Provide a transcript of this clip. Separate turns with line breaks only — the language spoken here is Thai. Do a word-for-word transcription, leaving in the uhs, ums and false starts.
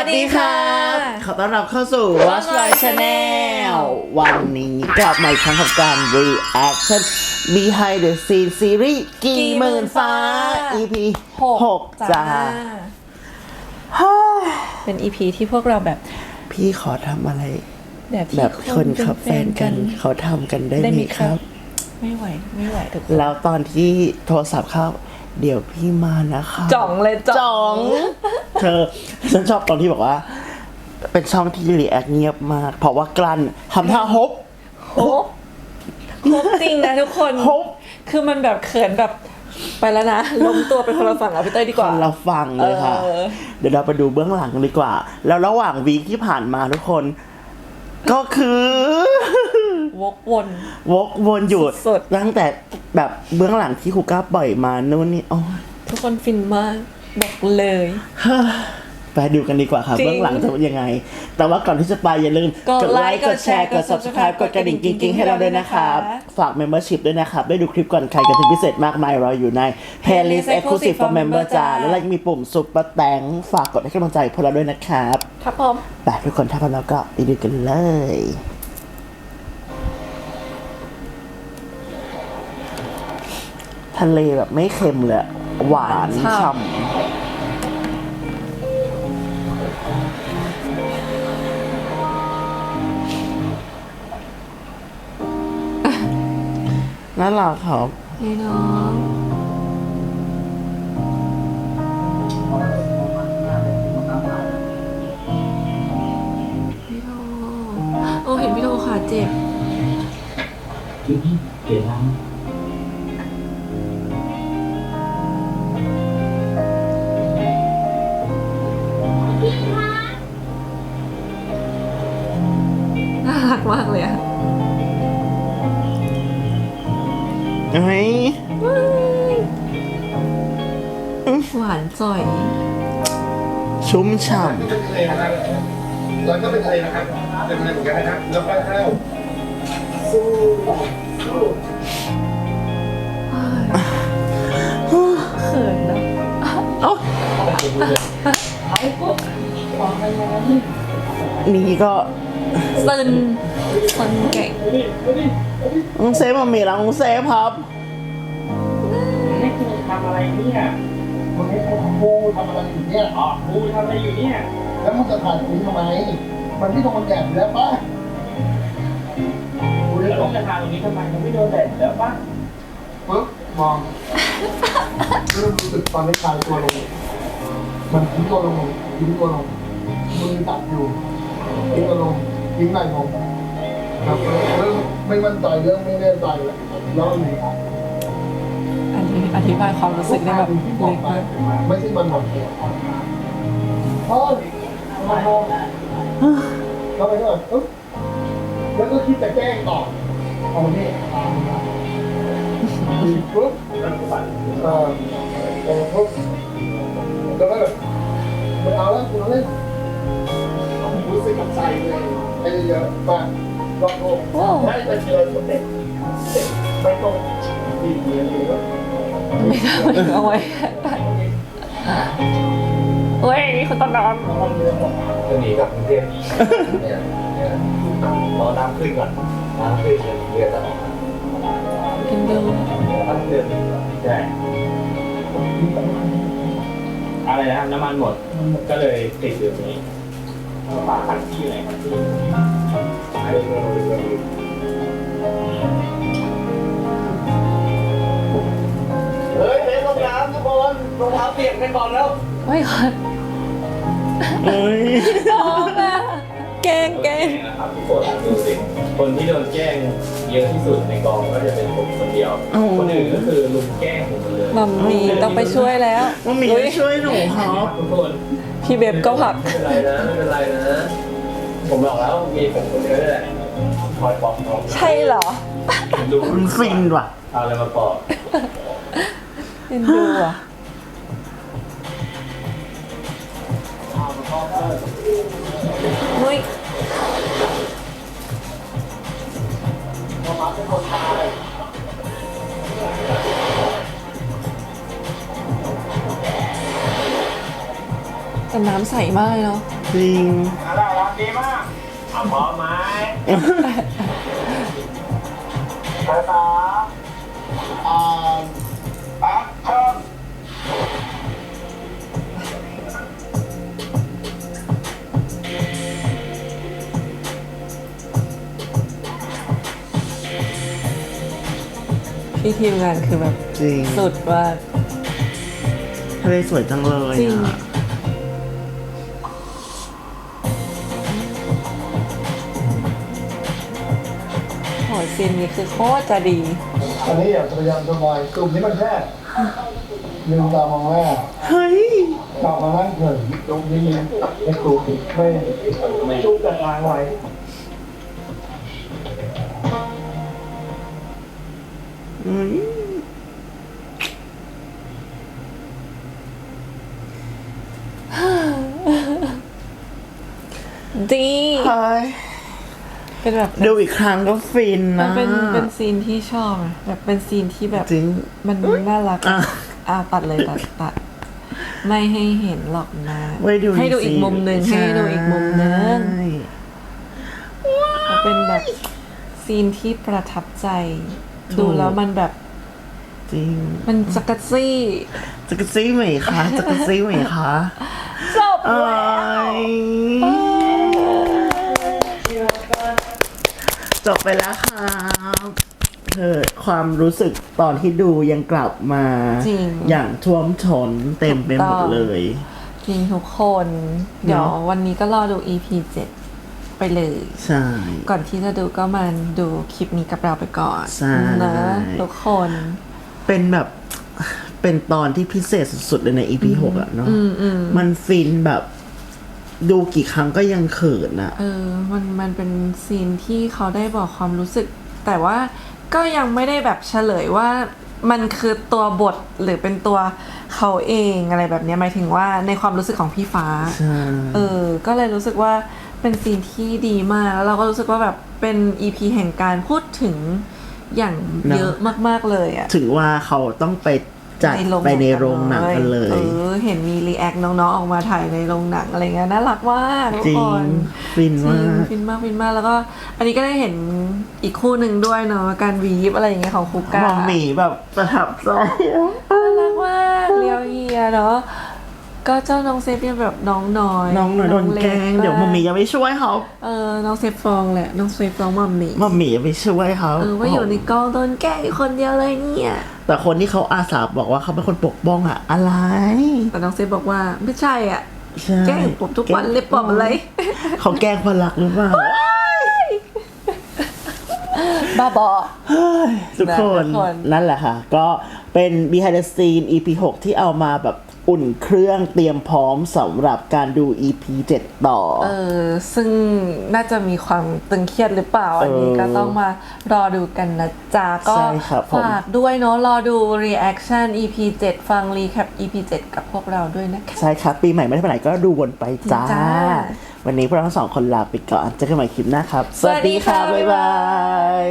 ดีค่ะขอต้อนรับเข้าสู่ Watch My Channel วันนี้กลับมาอีกครั้งกับการ Reaction Behind the Scene Series กี่หมื่นฟ้า อี พี หกจ้า
เป็น อี พี ที่พวกเราแบบ
พี่ขอทำอะไร
แบบ
แบบคนขับแฟนกันเขาทำกันได้ไหมครับ
ไม่ไหวไม่ไหวทุกคน
แล้วตอนที่โทรศัพท์เข้าเดี๋ยวพี่มานะคะ
จ่องเลย
จ่องเธอฉันชอบตอนที่บอกว่าเป็นช่องที่รีแอคเงียบมากเพราะว่ากลั้นทำท่าฮบ
ฮบฮบจริงนะทุกคน
ฮบ
คือมันแบบเขินแบบไปแล้วนะล้มตัวเป็นคนละฝั่งเอาพี่เต้ยดีกว่า
เราฟังเลยค่ะเดี๋ยวเราไปดูเบื้องหลังกันดีกว่าแล้วระหว่างวีคที่ผ่านมาทุกคนก็คือ
วกวน
วกวนอยู่ตั้งแต่แบบเบื้องหลังที่ครูก้าปล่อยมานู่นนี่อ๋อ
ทุกคนฟินมากบอกเลย
ไปดูกันดีกว่าค่ะเบื้องหลังจะเป็นยังไงแต่ว่าก่อนที่จะไปอย่าลืม
กดไลค์กดแชร์กด ซับสไครบ์
กดกระดิ่งกิ๊งๆให้เราด้วยนะครับฝาก Membership ด้วยนะครับได้ดูคลิปก่อนใครกันถึงพิเศษมากมายรออยู่ใน Playlist Exclusive for Member จ้าแล้วเรายังมีปุ่มซุปเปอร์แตงฝากกดให้กำลังใจพวกเราด้วยนะครับ
ครับผม
ไปทุกคนถ้าพร้อมแล้วก็ไปดูกันเลยทะเลแบบไม่เค็มเลยหวานฉ่ำน่ารักครับ
นี่น้องพี่โทโอ้เห็นพี่โทขาเจ็บ
เปลี่ยนน้ำ
น่ารักมากเลยอะ
เฮ้ย
หวานจ่อย
ชุ่มฉ่ำ
แล้วก็เป็นทะเลนะครับเป็นทะเลเหมือนกันนะครับแล้วก็ข้าวสู้สู้
เขินนะ
นี่ก็
ซึนซึนเก่ง
น้องเซฟมามีแล้วน้องเซฟครับ
นี่คือทำอะไรเนี่ยวันนี้กูทำอะไรอยู่เนี่ยอ๋อกูทำอะไรอยู่เนี่ยแล้วมึงจะถ่ายกูทำไมมันที่โดนแดดแล้วป่ะกูจะต้องจะถ่ายตรงนี้ทำไมมันไม่โดนแดดแล้วป่ะปึ๊บมองเริ่มรู้สึกตอนนี้คลายตัวลงมันทิ้งตัวลงทิ้งตัวลงมือตัดอยู่ทิ้งตัวลงทิ้งไหล่ลงครับเริ่มไม่มั่นใจเริ่มไม่แน่ใจแล้วแล้วนี่
อันนี้อธิบายความรู้สึกได้แบบเล็กมาก
ไม่ใช่มันหมดพ่อมาโมก็ไปด้วยปุ๊บแล้วก็คิดจะแกล้งต่อเอาเนี่ยตามนะปุ๊บเอ่อเอ่อปุ๊บแล้วก็แบบไม่เอาแล้วคุณเล่นรู้สึกกับใจเลยไอ้เยอะมากลองดูได้แต่เจอคนเด็กไม่ต้องดีเยอะเลย
ไม่ได้เอาไว้เฮ้ยคุณตอนนอน
จะหนีกลับกรุงเทพเนี่ยเนี่ยรอน้ำขึ้นก่อนน้ำขึ้นเรือจะออก
กินเดือด
น้ำเดือดใช่อะไรนะครับน้ำมันหมดก็เลยติดอยู่นี้ฝาขัดที่ไหนขัดที่ไอ้เรือเรือเฮ้ยเล่นลงน้ำทุกคนรองเท้าเปียกกันก่อนแล้ว
ไม่ค่ะ
เฮ้ย
น้องอะแกล้งแกล้ง
นะครับทุกคนดูสิคนที่โดนแกล้งเยอะที่สุดในกองก็จะเป็นผมคนเดียวคนอื่นก็คือลุมแกล้งผมเลย
มัมมี่ต้องไปช่วยแล้ว
มัมมี่ช่วยหนูครับ
ทุกคน
พี่เบบก็ผัก
ไม่เป็นไรนะไม่เป็นไรนะผมบอกแล้วมีผมคนเดียวแหละคอยปอกน้อง
ใช่เหรอ
ดูมันฟินว่ะ
เอาอะไรมาปอก
เอ็นดูอ่ะนุ้ยแต่น้ำใสมากเลยเนาะ
จริง
อะไรรักดีมากเอาพร้อมไหมภาษาอ่าแอคชั่น
พี่ทีมงานคือแบบ
จริง
สุดว่า
ทะเลสวยจังเลย
จริง
อ่ะ
โหซีนนี้คือโคตรจะดี
อันนี้อย่าพยายามสบายกลุ่มนี้มันแค่ลืมตามองแม่
เฮ้ย
กลับมานั่งเถิดตรงนี้ในกลุ่มไม่ไม่จุกกันล้างไว้
อืม
ดี
เฮ้ย
เป็นแบบ
ดูอีกครั้งก็ฟิน
มั
นะ
นเป็นเป็นซีนที่ชอบอะแบบเป็นซีนที่แบบ
จริง
มันน่ารัก
อ่ะ
อ่าตัดเลยตัดตัด ไม่ให้เห็นหรอกนะ
ไว้ดู
ให้ดูอีกมุมหนึ่งให้ดูอีกมุมหนึ่ง
ใช่
มันเป็นแบบซีนที่ประทับใจ ดูแล้วมันแบบ
จริง
มันจักรซี่
จักรซี่ไหมคะจักรซี่ไหมคะ
จบ
เอ้
แล้ว
ยจบไปแล้วครับเธอความรู้สึกตอนที่ดูยังกลับมา
จริง
อย่างท่วมท้นเต็มไปหมดเลย
จริงทุกคน เดี๋ยววันนี้ก็รอดู อี พี เจ็ดไปเลย
ใช่
ก่อนที่จะดูก็มาดูคลิปนี้กับเราไปก่อน
ใช่
นะทุกคน
เป็นแบบเป็นตอนที่พิเศษสุดๆเลยใน อี พี หกอะเนาะ
อืมอืม
มันฟินแบบ ดูกี่ครั้งก็ยังเขินอะ
เออ มันมันเป็นซีนที่เขาได้บอกความรู้สึก แต่ว่าก็ยังไม่ได้แบบเฉลยว่ามันคือตัวบทหรือเป็นตัวเขาเองอะไรแบบเนี้ยหมายถึงว่าในความรู้สึกของพี่ฟ้า
ใช่
เออ ก็เลยรู้สึกว่าเป็นซีนที่ดีมาก แล้วเราก็รู้สึกว่าแบบเป็น อี พี แห่งการพูดถึงอย่างเยอะมากๆเลยอะ
ถึงว่าเขาต้องไปจัดไปในโรงหนังกันเลย
เออ เห็นมีรีแอคน้องๆออกมาถ่ายในโรงหนังอะไรเงี้ยน่ารักมากทุก
จริ
ค
ง
น
ฟิน
จริ
มาง ก
ฟินมากฟินมากแล้วก็ อันนี้ก็ได้เห็นอีกคู่หนึ่งด้วยเนาะการวีฟอะไรอย่างเงี้ยของคูก้า
มอมหมีแบบประทับใจ
น่ารักมากเลียวเฮียเนาะก็เจ้าน้องเซฟเป็นแบบน้องน้อย
น้องหน่อยโดนแกล้งเดี๋ยวมอมหมีจะไปช่วยเขา
เออน้องเซฟฟองแหละน้องเซฟฟองมัมมี่
มอมหมีจะไปช่วยเขา
เออว่าอยู่ในกองโดนแกล้งอยู่คนเดียวเลยเนี่ย
แต่คนที่เขาอาสาบอกว่าเขาเป็นคนปกป้องอะอะไร
แต่น้องเซฟบอกว่าไม่ใช่อ่ะ
ใช่
แกล้งผมทุกวันเลยปอบอะไร
เขาแกล้งคนรักหรือเปล่า
บ้าบอ
ทุกคน
ทุกคน
นั่นแหละค่ะ ก็เป็น behind the scene อี พี หก ที่เอามาแบบอุ่นเครื่องเตรียมพร้อมสำหรับการดู อี พี เจ็ด ต่อ
เออซึ่งน่าจะมีความตึงเครียดหรือเปล่า อันนี้ก็ต้องมารอดูกันนะจ๊ะ ก็
ใช่ครับผม
ฝากด้วยเนาะรอดู reaction อี พี เจ็ด ฟัง recap อี พี เจ็ด กับพวกเราด้วยนะคะ
ใช่ครับ ปีใหม่ไม่ได้ไปไหนก็ดูวนไปจ้า
จ้า
วันนี้พวกเราทั้งสองคนลาไปก่อนเจอกันใหม่คลิปหน้าครับ
สวัสดีค่ะ
บ๊ายบาย